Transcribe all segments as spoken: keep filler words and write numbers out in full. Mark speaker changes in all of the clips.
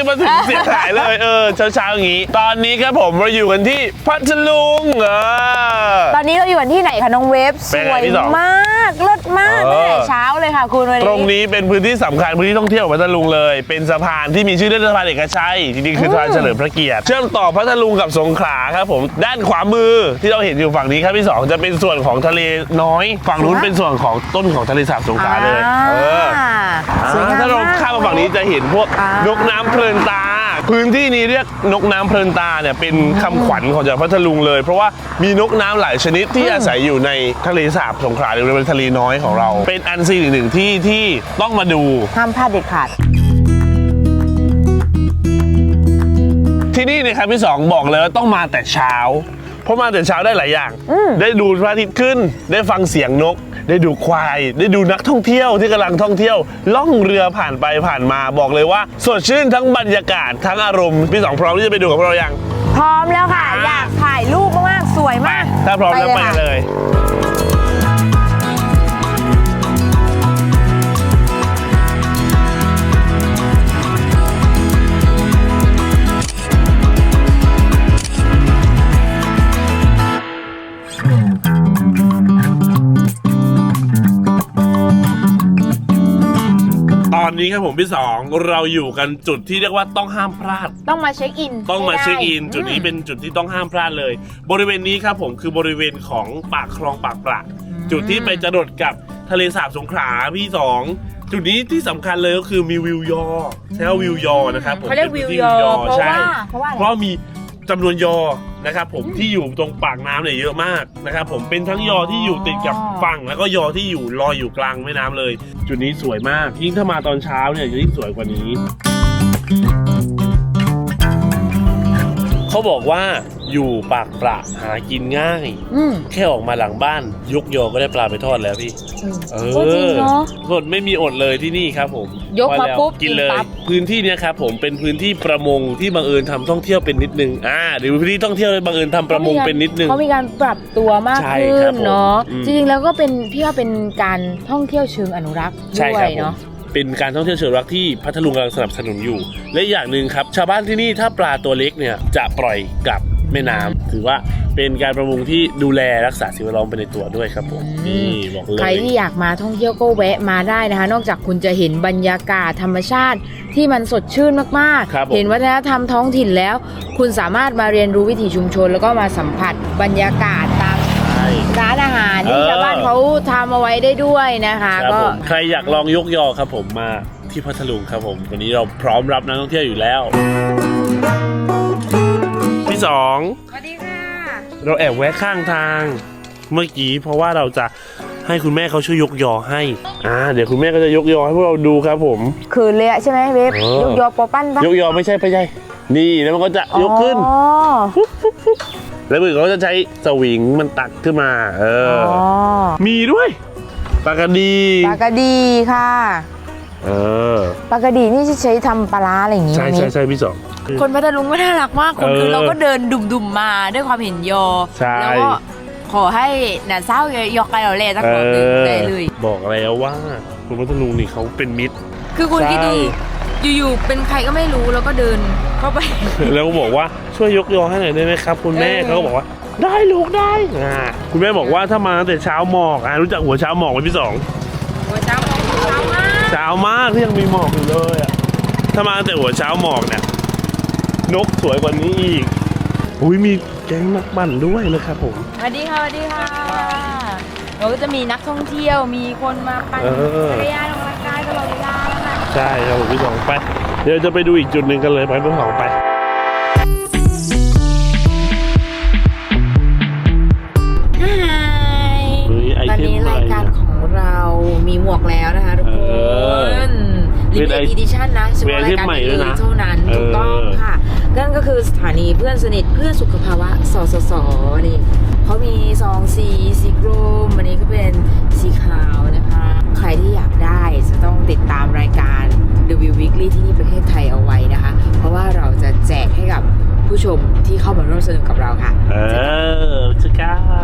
Speaker 1: มาถึงเสียหายเลยเออเช้าๆอย่างนี้ตอนนี้ครับผมเราอยู่กันที่พัทลุงเออ
Speaker 2: ตอนนี้เราอยู่กันที่ไหนคะน้องเวฟสวยมากเลิศมากตั้งแต่เช้าเลยค่ะคุณวันนี้
Speaker 1: ตรงนี้เป็นพื้นที่สำคัญพื้นที่ท่องเที่ยวพัทลุงเลยเป็นสะพานที่มีชื่อเรียกสะพานเอกชัยจริงๆคือสะพานเฉลิมพระเกียรติเชื่อมต่อพัทลุงกับสงขลาครับผมด้านขวามือที่เราเห็นอยู่ฝั่งนี้ครับพี่สองจะเป็นส่วนของทะเลน้อยฝั่งนู้นเป็นส่วนของต้นของทะเลสาบสงขลาเลยเออถ้าเราข้ามมาฝั่งนี้จะเห็นพวกนกน้ำเพลินตาพื้นที่นี้เรียกนกน้ำเพลินตาเนี่ยเป็นคำขวัญของจังหวัดพัทลุงเลยเพราะว่ามีนกน้ำหลายชนิดที่อาศัยอยู่ในทะเลสาบสงขลาหรือในทะเลน้อยของเราเป็นอันซีนอีกหนึ่งที่ที่ต้องมาดู
Speaker 2: ห้ามพลาดเด็ดขาด
Speaker 1: ที่นี่นะครับพี่สองบอกเลยว่าต้องมาแต่เช้าเพราะมาแต่เช้าได้หลายอย่างได้ดูพระอาทิตย์ขึ้นได้ฟังเสียงนกได้ดูควายได้ดูนักท่องเที่ยวที่กำลังท่องเที่ยวล่องเรือผ่านไปผ่านมาบอกเลยว่าสดชื่นทั้งบรรยากาศทั้งอารมณ์พี่สองพร้อมที่จะไปดูกับพวกเรายัง
Speaker 2: พร้อมแล้วค่ะอยากถ่ายรูปมากๆสวยมาก
Speaker 1: ถ้าพร้อมแล้วไปเลยตอนนี้ครับผมพี่สองเราอยู่กันจุดที่เรียกว่าต้องห้ามพลาด
Speaker 2: ต้องมาเช็คอิน
Speaker 1: ต้องมาเช็คอินจุดนี้เป็นจุดที่ต้องห้ามพลาดเลยบริเวณนี้ครับผมคือบริเวณของปากคลองปากปละจุดที่ไปจรดกับทะเลสาบสงขลาพี่สองจุดนี้ที่สำคัญเลยก็คือมีวิวยอใช่ว่าวิวยอนะครับผม
Speaker 2: เขาเรียกวิวยอเพราะว่าเพราะว่า
Speaker 1: เพราะมีจำนวนยอนะครับผมที่อยู่ตรงปากน้ำเนี่ยเยอะมากนะครับผมเป็นทั้งยอที่อยู่ติดกับฝั่งแล้วก็ยอที่อยู่ลอยอยู่กลางแม่น้ำเลยจุดนี้สวยมากยิ่งถ้ามาตอนเช้าเนี่ยจะยิ่งสวยกว่านี้เขาบอกว่าอยู่ปากปละหากินง่ายแค่ออกมาหลังบ้านยกยอก็ได้ปลาไปทอดแล้วพี่เออสดไม่มีอดเลยที่นี่ครับผม
Speaker 2: ยกมาปุ๊บ
Speaker 1: กินเลยพื้นที่นี้ครับผมเป็นพื้นที่ประมงที่บังเอิญทำท่องเที่ยวเป็นนิดนึงอ่าหรือพื้นที่ท่องเที่ยวบังเอิญทำประมงเป็นนิดนึง
Speaker 2: เขามีการปรับตัวมากขึ้นเนาะจริงๆแล้วก็เป็นพี่ว่าเป็นการท่องเที่ยวเชิงอนุรักษ์ด้วยเนาะ
Speaker 1: เป็นการท่องเที่ยวเชิงอนุรักษ์ที่พัทลุงกำลังสนับสนุนอยู่และอย่างหนึ่งครับชาวบ้านที่นี่ถ้าปลาตัวเล็กเนี่ยจะปล่อยกลับแม่น้ำถือว่าเป็นการประมงที่ดูแลรักษาสิ่งแวดล้อมไปในตัวด้วยครับผมนี่บอกเลย
Speaker 2: ใครที่อยากมาท่องเที่ยวก็แวะมาได้นะคะนอกจากคุณจะเห็นบรรยากาศธรรมชาติที่มันสดชื่นมากๆเห็นวัฒนธรรมท้องถิ่นแล้วคุณสามารถมาเรียนรู้วิถีชุมชนแล้วก็มาสัมผัสบรรยากาศตามร้านอาหารที่ชาวบ้านเขาทำเอาไว้ได้ด้วยนะคะก็
Speaker 1: ใครอยากลองยกยอครับผมมาที่พัทลุงครับผมวันนี้เราพร้อมรับนักท่องเที่ยวอยู่แล้วพี่สอง
Speaker 2: สวัสดีค่ะ
Speaker 1: เราแอบแวะข้างทางเมื่อกี้เพราะว่าเราจะให้คุณแม่เขาช่วยยกยอให้อ่าเดี๋ยวคุณแม่ก็จะยกยอให้พวกเราดูครับผม
Speaker 2: คืนเลยใช่ไหมเวฟยกยอปอปั้นปะ
Speaker 1: ยกยอไม่ใช่ไม่ใช่นี่แล้วมันก็จะยกขึ้นแล้วมือเขาจะใช้สวิงมันตักขึ้นมาเออมีด้วยปลากระดี
Speaker 2: ปลากระดีค่ะ
Speaker 1: เออ
Speaker 2: ปลากระดีนี่ใช้ทำปลาอะไรอย่างงี้
Speaker 1: ใช่ใช่ใช่พี่สอง
Speaker 2: คนพัทลุงก็น่ารักมากคนคือเราก็เดินดุ่มๆมาด้วยความเห็นยอแล้วก็ขอให้หน้าเศร้ายอกไก่เราเล่สักคนหนึ่งได้เลย
Speaker 1: บอกแล้วว่าคนพัทลุงนี่เขาเป็นมิตร
Speaker 2: คือคุณคิดดูอยู่ๆเป็นใครก็ไม่รู้แล้วก็เดินเข้าไป
Speaker 1: แล้วก็บอกว่าช่วยยกยอให้หน่อยได้ไหมครับคุณแม่เขาก็บอกว่าได้ลูกได้อ่าคุณแม่บอกว่าถ้ามาตั้งแต่เช้าหมอกอ่ะรู้จักหัวเช้าหมอกไหมพี่สอง
Speaker 2: หัวเช้าหมอกเช้ามาก
Speaker 1: เช้ามากที่ยังมีหมอกอยู่เลยอ่ะถ้ามาตั้งแต่หัวเช้าหมอกเนี่ยนกสวยกว่านี้อีกอุ้ยมีแก๊งนักปั่นด้วยนะครับผม
Speaker 2: สวัสดีค่ะสวัสดีค่ะเราก็จะมีนักท่องเที่ยวมีคนมาปั่นจักรยานออกกำลังกายตลอดเวลาแล้วนะ
Speaker 1: ใช่ครับผมพี่สองไปเดี๋ยวจะไปดูอีกจุดหนึ่งกันเลยไปพี่สองไป
Speaker 2: ตอนนี้รายการของเรามีหมวกแล้วนะคะทุกคนลิมิเต็ดอีดิชั่นนะเฉพาะรายการนี้เท่านั้นถูกต้องค่ะนั่นก็คือสถานีเพื่อนสนิทเพื่อสุขภาวะสสสนี่เขามีซองสีสีกรมอันนี้ก็เป็นสีขาวนะคะใครที่อยากได้จะต้องติดตามรายการ The View Weekly ที่นี่ประเทศไทยเอาไว้นะคะเพราะว่าเราจะแจกให้กับผู้ชมที่เข้ามาร่วมสนุกกับเราค่ะ
Speaker 1: เออจะกัน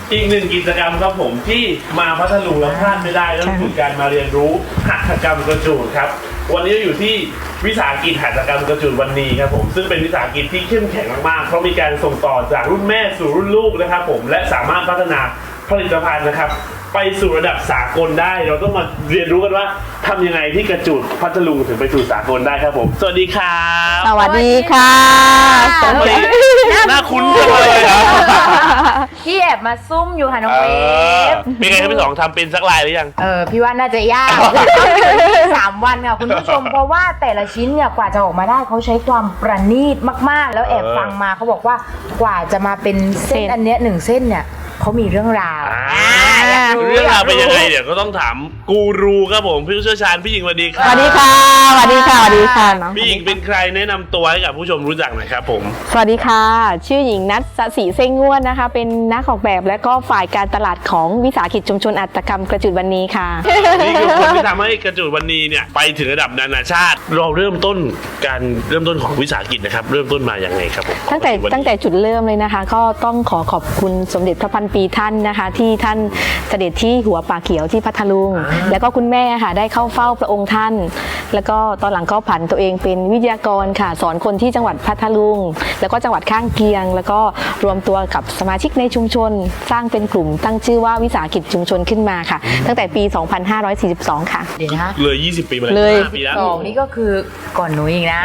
Speaker 1: อีกหนึ่งกิจกรรมครับผมที่มาพัทลุงแล้วพลาดไม่ได้นั่นคือการมาเรียนรู้หัตถกรรมกระจูดครับวันนี้เราอยู่ที่วิสาหกิจหัตถกรรมกระจูดวันนี้ครับผมซึ่งเป็นวิสาหกิจที่เข้มแข็งมากๆเพราะมีการส่งต่อจากรุ่นแม่สู่รุ่นลูกนะครับผมและสามารถพัฒนาผลิตภัณฑ์นะครับไปสู่ระดับสากลได้เราต้องมาเรียนรู้กันว่าทำยังไงที่กระจูดพัทลุงถึงไปสู่สากลได้ครับผมสวัสดีครับ
Speaker 3: สวัสดีค่ะ
Speaker 1: ทำไมน่าคุ้นจังเลยครับ
Speaker 2: พี่แอบมาซุ่มอยู่ค่ะน้อง
Speaker 1: เอ
Speaker 2: เว
Speaker 1: อ
Speaker 2: ฟ
Speaker 1: เป็นไงครับพี่สองทำเป็นสักลายหรือยัง
Speaker 2: เออพี่ว่าน่าจะยาก สามวันค่ะคุณผู้ชม เพราะว่าแต่ละชิ้นเนี่ยกว่าจะออกมาได้เขาใช้ความประณีตมากๆ แล้วแอบฟังมาเขาบอกว่ากว่าจะมาเป็นเส้นอันเนี้ยหนึ่งเส้นเนี่ยเขามีเรื่องราว
Speaker 1: อ่า
Speaker 2: อยาก
Speaker 1: เรื่องราวเป็นยังไงเดี๋ยวก็ต้องถามกูรูครับผมผู้เชี่ยวชาญพี่หญิงสวัสดีค
Speaker 3: ส
Speaker 1: รับ
Speaker 3: วัสดีค่ะสวัสดีค่ะสวัสดีค่ะน้อง
Speaker 1: พี่หญิงเป็นใครแนะนำตัวให้กับผู้ชมรู้จักหน่อยครับผม
Speaker 3: สวัสดีค่ะ ชื่อหญิงนัทสศิเส้งง่วนนะคะ เป็นนักออกแบบและก็ฝ่ายการตลาดของวิสาหกิจชุมชนอัตกรรมกระจุดวันนี้ค่ะ
Speaker 1: นี่คือคนที่ทำให้กระจูดวันนี้เนี่ยไปถึงระดับนานาชาติ เราเริ่มต้นการเริ่มต้นของวิสาหกิจนะครับเริ่มต้นมาอย่างไงครับผม
Speaker 3: ตั้งแต่
Speaker 1: วันนี้
Speaker 3: ตั้งแต่จุดเริ่มเลยนะคะ ก็ต้องขอขอบคุณสมเด็จพระพันปีท่านนะคะ ที่ท่านเสด็จที่หัวป่าเขียวที่พัทลุง แล้วก็คุณแม่ค่ะได้เข้าเฝ้าพระองค์ท่าน แล้วก็ตอนหลังก็ผันตัวเองเป็นวิทยากรค่ะ สอนคนที่จังหวัดพัทลุง แล้วก็จังหวัดข้างเคียง แล้วก็รวมตัวกับสมาชิกในชุมชน สร้างเป็นกลุ่มตั้งชื่อว่าวิสาหกิจชุมชนขึ้นมาค่ะ ตั้งแต่ปี สองพันห้าร้อยสี่สิบสอง ค่ะ
Speaker 2: เดี๋ยวนะคะ
Speaker 1: เลยยี่สิบปีมา
Speaker 3: เลย
Speaker 1: ห้าปีแล้ว
Speaker 2: สองนี่ก็คือก่อนหนูอีกนะ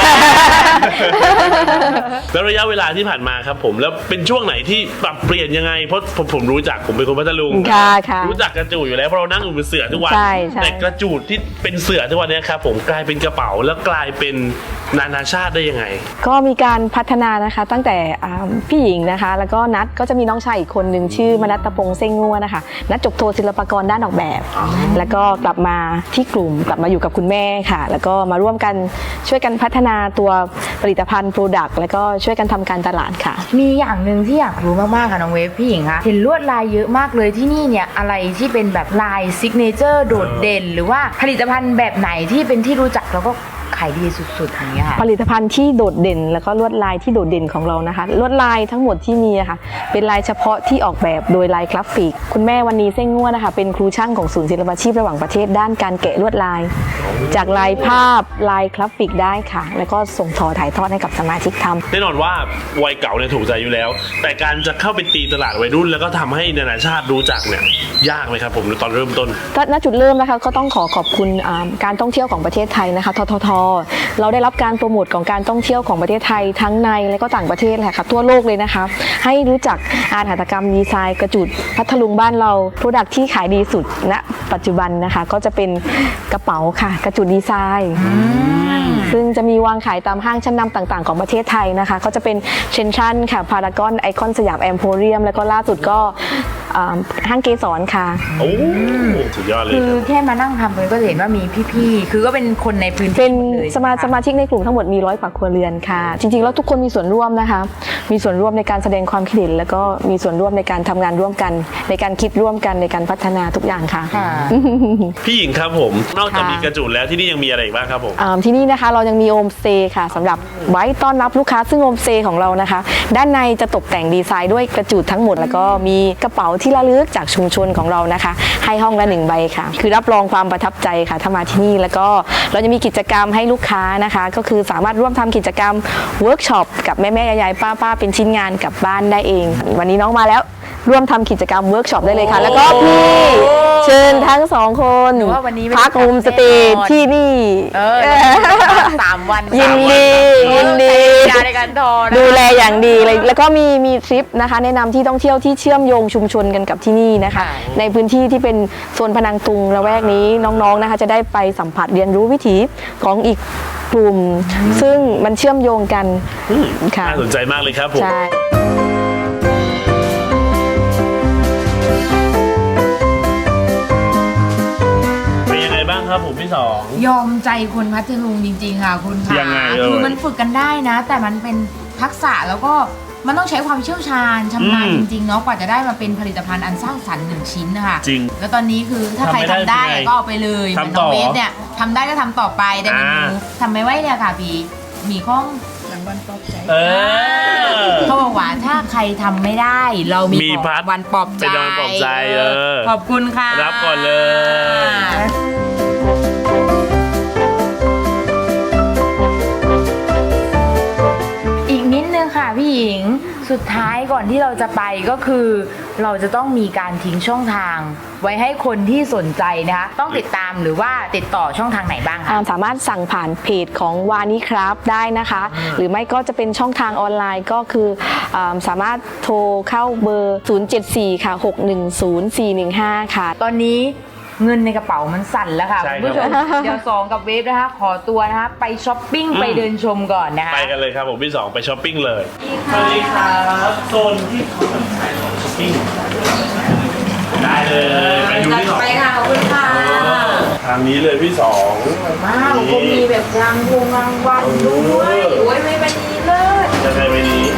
Speaker 1: แล้วระยะเวลาที่ผ่านมาครับผมแล้วเป็นช่วงไหนที่ปรับเปลี่ยนยังไงเพราะผมผมรู้จักผมเป็นคนพัทลุง
Speaker 3: ค่ะค่ะ
Speaker 1: รู้จักกระจูดอยู่แล้วเพราะเรานั่งอยู่บนเสื่อทุกวัน
Speaker 3: ใช่ใช่
Speaker 1: แต่กระจูดที่เป็นเสื่อทุกวันเนี้ครับผมกลายเป็นกระเป๋าแล้วกลายเป็นนานาชาติได้ยังไง
Speaker 3: ก็มีการพัฒนานะคะตั้งแต่อ่าพี่หญิงนะคะ แล้วก็นัดก็จะมีน้องชายอีกคนหนึ่งชื่อมนัตตพงษ์เส้งงัวนะคะนัดจบโทศิลปากรด้านออกแบบ แล้วก็กลับมาที่กลุ่มกลับมาอยู่กับคุณแม่ค่ะ แล้วก็มาร่วมกันช่วยกันพัฒนาตัวผลิตภัณฑ์โปรดักต์แล้วก็ช่วยกันทำการตลาดค่ะ
Speaker 2: มีอย่างหนึ่งที่อยากรู้มากๆค่ะน้องเวฟพี่หญิงคะเห็นลวดลายเยอะมากเลยที่นี่เนี่ยอะไรที่เป็นแบบลายซิกเนเจอร์โดดเด่น หรือว่าผลิตภัณฑ์แบบไหนที่เป็นที่รู้จักแล้วก็ขายดีสุดๆอย่างเงี้ยค่ะ
Speaker 3: ผลิตภัณฑ์ที่โดดเด่นแล้วก็ลวดลายที่โดดเด่นของเรานะคะลวดลายทั้งหมดที่มีอะค่ะเป็นลายเฉพาะที่ออกแบบโดยลายกราฟิก คุณแม่วันนี้เส้งง่วนนะคะเป็นครูช่างของศูนย์ศิลปาชีพระหว่างประเทศด้านการแกะลวดลาย จากลายภาพลายกราฟิกได้ค่ะ แล้วก็ส่งต่อถ่ายทอดให้กับสมาชิกทำ
Speaker 1: แน่นอนว่าวัยเก่าเนี่ยถูกใจอยู่แล้ว แต่การจะเข้าไปตีตลาดวัยรุ่นแล้วก็ทำให้นานาชาติรู้จักเนี่ยยากไหมครับผมตอนเริ่มต้น
Speaker 3: ก็ณจุดเริ่มนะคะก็ต้องขอขอบคุณอ่าการท่องเที่ยวของประเทศไทยนะคะททท เราได้รับการโปรโมทของการท่องเที่ยวของประเทศไทยทั้งในและก็ต่างประเทศแหละค่ะทั่วโลกเลยนะคะให้รู้จักอาหัตถกรรมดีไซน์กระจุดพัทลุงบ้านเราโปรดักที่ขายดีสุดณปัจจุบันนะคะก็จะเป็นกระเป๋าค่ะกระจุดดีไซน์ซึ่งจะมีวางขายตามห้างชั้นนำต่างๆของประเทศไทยนะคะก็จะเป็นเชนชันค่ะพารากอนไอคอนสยามแอมโพเรียมแล้วก็ล่าสุดก็อ่าห้างเกสรค่ะ
Speaker 1: โอ้สุดยอดเลย
Speaker 2: คือ
Speaker 1: ครับ
Speaker 2: แค่มานั่งทำเลยก็จะเห็นว่ามีพี่ๆ คือก็เป็นคนในพื้นที่
Speaker 3: เป็น
Speaker 2: หมดเลย
Speaker 3: สมา
Speaker 2: ใช่
Speaker 3: ส
Speaker 2: ไห
Speaker 3: มาชิกในกลุ่มทั้งหมดมีร้อยกว่าครัวเรือนค่ะ จริงๆแล้วทุกคนมีส่วนร่วมนะคะ มีส่วนร่วมในการแสดงความคิดเห็นแล้วก็มีส่วนร่วมในการทำงานร่วมกัน ในการคิดร่วมกันในการพัฒนาทุกอย่างค่ะ
Speaker 2: ค่ะ
Speaker 1: พี่หญิงครับผมนอกจาก
Speaker 3: ค่ะ
Speaker 1: มีกระจูดแล้วที่นี่ยังมีอะไรอีกบ้างครับผม
Speaker 3: อ่าที่นี่นะคะเรายังมีโฮมสเตย์ค่ะสำหรับไว้ต้อนรับลูกค้าซึ่งโฮมสเตย์ของเรานะคะ ด้านในจะตกแต่งดีไซน์ด้วยกระจุดทั้งหมด แล้วก็มีกระเป๋าที่ระลึกจากชุมชนของเรานะคะ ให้ห้องละหนึ่งใบค่ะ คือรับรองความประทับใจค่ะถ้ามาที่นี่แล้วก็เราจะมีกิจกรรมให้ลูกค้านะคะ ก็คือสามารถร่วมทำกิจกรรมเวิร์กช็อปกับแม่แม่ยายๆป้าๆเป็นชิ้นงานกลับบ้านได้เอง วันนี้น้องมาแล้วร่วมทำกิจกรรมเวิร์กช็อปได้เลยค่ะ แล้วก็พี่เชิญทั้งสองคน
Speaker 2: หนูว่าวันนี้ไม่
Speaker 3: พักโฮมสเตย์ที่นี่
Speaker 2: เออสามวัน
Speaker 3: ยินดียินดี
Speaker 2: ยาในการทอนะ
Speaker 3: ดูแลอย่างดีเลยแล้วก็มีมีทริปนะคะแนะนำที่ท่องเที่ยวที่เชื่อมโยงชุมชนกันกับที่นี่นะคะ ในพื้นที่ที่เป็นโซนพนังตุงละแวกนี้น้องๆนะคะจะได้ไปสัมผัสเรียนรู้วิถีของอีกกลุ่ม ซึ่งมันเชื่อมโยงกันค่ะ
Speaker 1: น่าสนใจมากเลยครับผม
Speaker 3: ใช่
Speaker 1: เป็นยังไงบ้างครับผมพี่สอง
Speaker 2: ยอมใจคนพัทลุงจริงๆค่ะคุณค่ะ
Speaker 1: ยังไงเอ่ย
Speaker 2: คือมันฝึกกันได้นะ แต่มันเป็นทักษะแล้วก็มันต้องใช้ความเชี่ยวชาญชำนาญ
Speaker 1: อืม
Speaker 2: จริงๆเนาะกว่าจะได้มาเป็นผลิตภัณฑ์อันสร้างสรรค์หนึ่งชิ้นนะคะ
Speaker 1: จริง
Speaker 2: แล้วตอนนี้คือถ้าใคร
Speaker 1: ทำไม่ได้
Speaker 2: ทำได้
Speaker 1: เป็นไง
Speaker 2: ก็เอาไปเลยเหมือน
Speaker 1: ทำต่
Speaker 2: น้
Speaker 1: อ
Speaker 2: องเวฟเนี่ยทำได้ก็ทำต่อไปแต่เมนู
Speaker 1: อ่า
Speaker 2: ทำไม่ไหวเนี่ยค่ะพี่มีข้องวันปลอบใจ
Speaker 1: เออ
Speaker 2: เขาบอกว่าถ้าใครทำไม่ได้ เรามี
Speaker 1: มีพัด
Speaker 2: วันปลอบใจ
Speaker 1: เป็นวันปลอบใจเออ
Speaker 2: ขอบคุณค่ะ
Speaker 1: รับก่อนเลย
Speaker 2: อีกนิดนึงค่ะพี่หญิงสุดท้ายก่อนที่เราจะไปก็คือ เราจะต้องมีการทิ้งช่องทาง ไว้ให้คนที่สนใจนะคะต้องติดตามหรือว่าติดต่อช่องทางไหนบ้างคะ
Speaker 3: อ่าสามารถสั่งผ่านเพจของวานิครับได้นะคะ หรือไม่ก็จะเป็นช่องทางออนไลน์ก็คืออาสามารถโทรเข้าเบอร์ ศูนย์ เจ็ด สี่ ค่ะ หก หนึ่ง ศูนย์ สี่ หนึ่ง ห้า ค่ะ
Speaker 2: ตอนนี้เงินในกระเป๋ามันสั่นแล้วค่ะ
Speaker 1: ใช่
Speaker 2: คุณผู้ชม
Speaker 1: ครับ
Speaker 2: เดี๋ยวสองกับเวฟนะคะขอตัวนะคะไปช้อปปิ้งไปเดินชมก่อนนะคะ
Speaker 1: ไปกันเลยครับผมพี่สองไปช้อปปิ้งเลยสวัสดีครับโซนที่เขาแบบขายของช้อปปิ้งได้เลยไปดูพี่สอง
Speaker 2: ไปค่ะขอบคุณค่ะ
Speaker 1: ทางนี้เลยพี่สอง
Speaker 2: มากผมมีแบบรางวงรางวัลด้วยโอ้ยไม่เป็นนี้เลย
Speaker 1: จะได้ไปนี้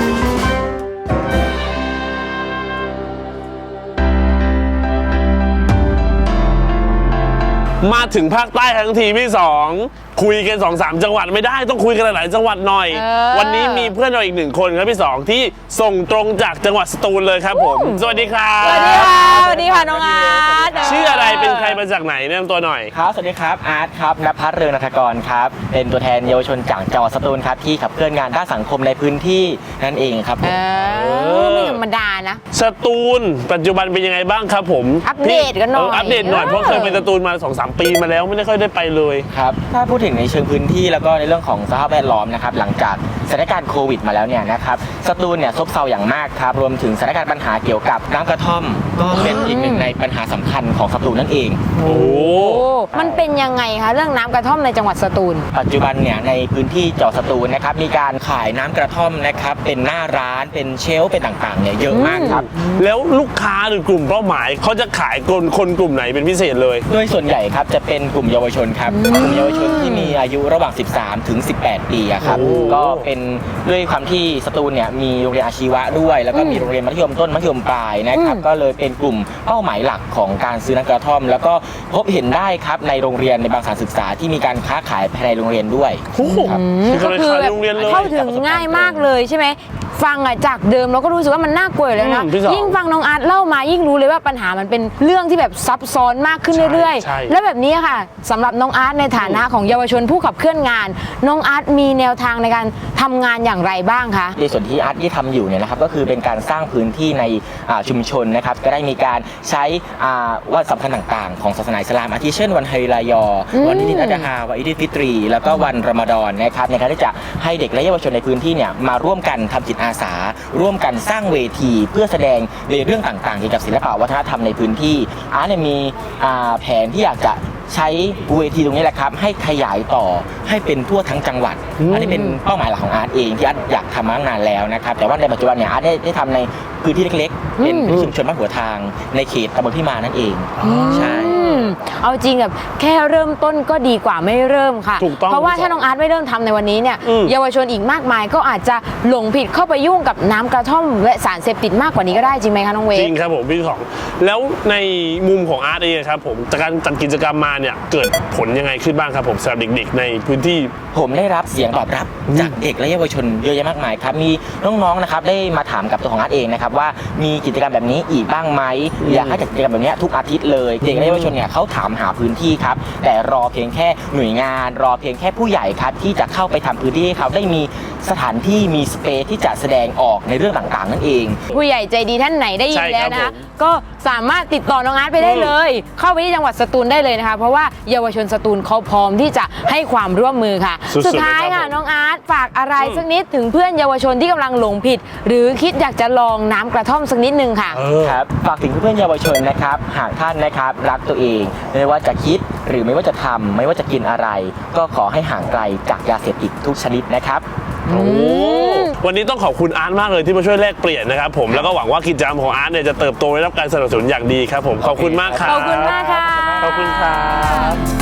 Speaker 1: มาถึงภาคใต้ทั้งทีพี่สองคุยกันสองสามจังหวัดไม่ได้ต้องคุยกันหลายๆจังหวัดหน่อย
Speaker 2: เออ
Speaker 1: วันนี้มีเพื่อนเราอีกหนึ่งคนครับพี่สองที่ส่งตรงจากจังหวัดสตูลเลยครับผม สวัสดีครับ
Speaker 2: สวัสดีค่ะสวัสดีค่ะน้องอาร์ต
Speaker 1: ชื่ออะไรเป็นใครมาจากไหนแนะนำตัวหน่อย
Speaker 4: ครับ สวัสดีครับ อาร์ตครับณภัทรเรืองนัฐกรครับ เป็นตัวแทนเยาวชนจากจังหวัดสตูลครับ ที่ขับเคลื่อนงานด้านสังคมในพื้นที่นั่นเองครับผ
Speaker 2: เอ
Speaker 4: ม
Speaker 2: อไม่ธรรมดานะ
Speaker 1: สตูลปัจจุบันเป็นยังไงบ้างครับผม
Speaker 2: อัปเดตกันหน่อย
Speaker 1: เอัปเดตหน่อยเพราะเคยเป็นสตูลมาสองสามปีมาแล้วไม่ได้ค่อยได้ไปเลย
Speaker 4: ครับ ถ้าพูดถึงในเชิงพื้นที่แล้วก็ในเรื่องของสภาพแวดล้อมนะครับหลังจากสถานการณ์โควิดมาแล้วเนี่ยนะครับสตูลเนี่ยซบเซาอย่างมากครับรวมถึงสถานการณ์ปัญหาเกี่ยวกับน้ำกระท่อม ก็เป็นอีกหนึ่งในปัญหาสำคัญของสตูลนั่นเอง
Speaker 1: โอ้
Speaker 2: โอ้มันเป็นยังไงคะเรื่องน้ำกระท่อมในจังหวัดสตูล
Speaker 4: ปัจจุบันเนี่ยในพื้นที่จังหวัดสตูลนะครับมีการขายน้ำกระท่อมนะครับเป็นหน้าร้านเป็นเชลฟ์เป็นต่างๆเนี่ยเยอะมากครับ
Speaker 1: แล้วลูกค้าหรือกลุ่มเป้าหมายเขาจะขายคนคนกลุ่มไหนเป็นพิเศษเลย
Speaker 4: โดยส่วนใหญ่ครับจะเป็นกลุ่มเยาวชนครับกลุ่มเยาวชนที่มีอายุระหว่าง สิบสาม ถึง สิบแปด ปีอะครับ
Speaker 1: โอ้
Speaker 4: ก็เป็นด้วยความที่สตูลเนี่ยมีโรงเรียนอาชีวะด้วย แล้วก็มีโรงเรียนมัธยมต้นมัธยมปลายนะครับก็เลยเป็นกลุ่มเป้าหมายหลักของการซื้อน้ำกระท่อม แล้วก็พบเห็นได้ครับในโรงเรียนในบางสถานศึกษาที่มีการค้าขายภายในโรงเรียนด้วย
Speaker 1: โอ้โห
Speaker 4: ครับ
Speaker 1: ก็เลยขายโรงเรียนเลย
Speaker 2: เข้าถึงง่ายมากเลยใช่ไหมฟังอะจากเดิมเราก็รู้สึกว่ามันน่ากลัวอยู่แล้วนะ
Speaker 1: อืมพี่สอง
Speaker 2: ยิ่งฟังน้องอาร์ตเล่ามายิ่งรู้เลยว่าปัญหามันเป็นเรื่องที่แบบซับซ้อนมากขึ้นเรื่อย
Speaker 1: ใช่
Speaker 2: ๆ แล้วแบบนี้ค่ะสำหรับน้องอาร์ตในฐานะของเยาวชนผู้ขับเคลื่อนงาน น้องอาร์ตมีแนวทางในการทำงานอย่างไรบ้างคะ
Speaker 4: ในส่วนที่อาร์ตที่ทำอยู่เนี่ยนะครับก็คือเป็นการสร้างพื้นที่ในอ่าชุมชนนะครับก็ได้มีการใช้อ่าวันสำคัญต่างๆ ของศาสนาอิสลามอาทิเช่นวันฮาริรายอ
Speaker 2: อืม
Speaker 4: วันอิดอัลอาฮาวันอิดฟิตรี แล้วก็วันรอมฎอนนะครับในการที่จะให้เด็กและเยาวชนในพื้นที่เนี่ยมาร่วมกันทำจิตอาสา ร่วมกันสร้างเวทีเพื่อแสดงในเรื่องต่างๆเกี่ยวกับศิลปะวัฒนธรรมในพื้นที่อาร์ตเนี่ยมีอ่าแผนที่อยากจะใช้เวทีตรงนี้แหละครับให้ขยายต่อให้เป็นทั่วทั้งจังหวัด
Speaker 1: อืม
Speaker 4: อันนี้เป็นเป้าหมายหลักของอาร์ตเองที่อาร์ตอยากทำมาตั้งนานแล้วนะครับแต่ว่าในปัจจุบันเนี่ยอาร์ตได้ได้ทำในพื้นที่เล็กๆ เป็น
Speaker 2: อืม
Speaker 4: ชุมชนบ้านหัวทางในเขตตำบลพิมานนั่นเองใช่
Speaker 2: อืมเอาจริงแบบแค่เริ่มต้นก็ดีกว่าไม่เริ่มค่ะ
Speaker 1: ถูกต้อง
Speaker 2: เพราะว่า
Speaker 1: พี่สอง
Speaker 2: ถ้าน้องอาร์ตไม่เริ่มทำในวันนี้เนี่ย
Speaker 1: อืม
Speaker 2: เยาวชนอีกมากมายก็อาจจะหลงผิดเข้าไปยุ่งกับน้ำกระท่อมและสารเสพติดมากกว่านี้ก็ได้จริงไหมคะน้องเว
Speaker 1: จ
Speaker 2: ฟ
Speaker 1: ริงครับผมพี่สองแล้วในมุมของอาร์ตเองครับผมจากการจัดกิจกรรมมาเนี่ยเกิดผลยังไงขึ้นบ้างครับผมสำหรับเด็กๆในพื้นที่
Speaker 4: ผมได้รับเสียงตอบรับจากเด็กและเยาวชนเยอะแยะมากมายครับมีน้องๆนะครับได้มาถามกับตัวของอาร์ตเองนะครับว่ามีกิจกรรมแบบนี้อีกบ้างไหมอยากให้จัดกิจกรรมแบบนี้ทุกอาทิตย์เลยเด็กและเยาวชนเนี่ยเขาถามหาพื้นที่ครับแต่รอเพียงแค่หน่วยงาน รอเพียงแค่ผู้ใหญ่ครับที่จะเข้าไปทำพื้นที่ให้เขาได้มีสถานที่มีสเปซที่จะแสดงออกในเรื่องต่างๆนั่นเอง
Speaker 2: ผู้ใหญ่ใจดีท่านไหนได้ยิน
Speaker 1: ใช่ครับ
Speaker 2: แล้วนะคะ
Speaker 1: ผม
Speaker 2: ก็สามารถติดต่อน้องอาร์ตไปได้เลย เข้าไปที่จังหวัดสตูลได้เลยนะคะ เพราะว่าเยาวชนสตูลเขาพร้อมที่จะให้ความร่วมมือค่ะ
Speaker 1: สุดๆ
Speaker 2: สุดท้าย
Speaker 1: เลยครั
Speaker 2: ค่ะ
Speaker 1: บผม
Speaker 2: น้องอาร์ตฝากอะไร
Speaker 1: อืม
Speaker 2: สักนิดถึงเพื่อนเยาวชนที่กำลังหลงผิด หรือคิดอยากจะลองน้ำกระท่อมสักนิดนึงค่ะ
Speaker 1: เออ
Speaker 4: ครับฝากถึงเพื่อนๆเยาวชนนะครับหากท่านนะครับรักตัวเองไม่ว่าจะคิดหรือไม่ว่าจะทำไม่ว่าจะกินอะไร ก็ขอให้ห่างไกลจากยาเสพติดทุกชนิดนะครับ
Speaker 1: โอ้วันนี้ต้องขอบคุณอาร์ตมากเลยที่มาช่วยแลกเปลี่ยนนะครับผมแล้วก็หวังว่ากิจกรรมของอาร์ตเนี่ยจะเติบโตได้รับการสนับสนุนอย่างดีครับผมขอบคุณมากครับ
Speaker 2: ขอบคุณมากค่ะ
Speaker 1: ขอบคุณครับ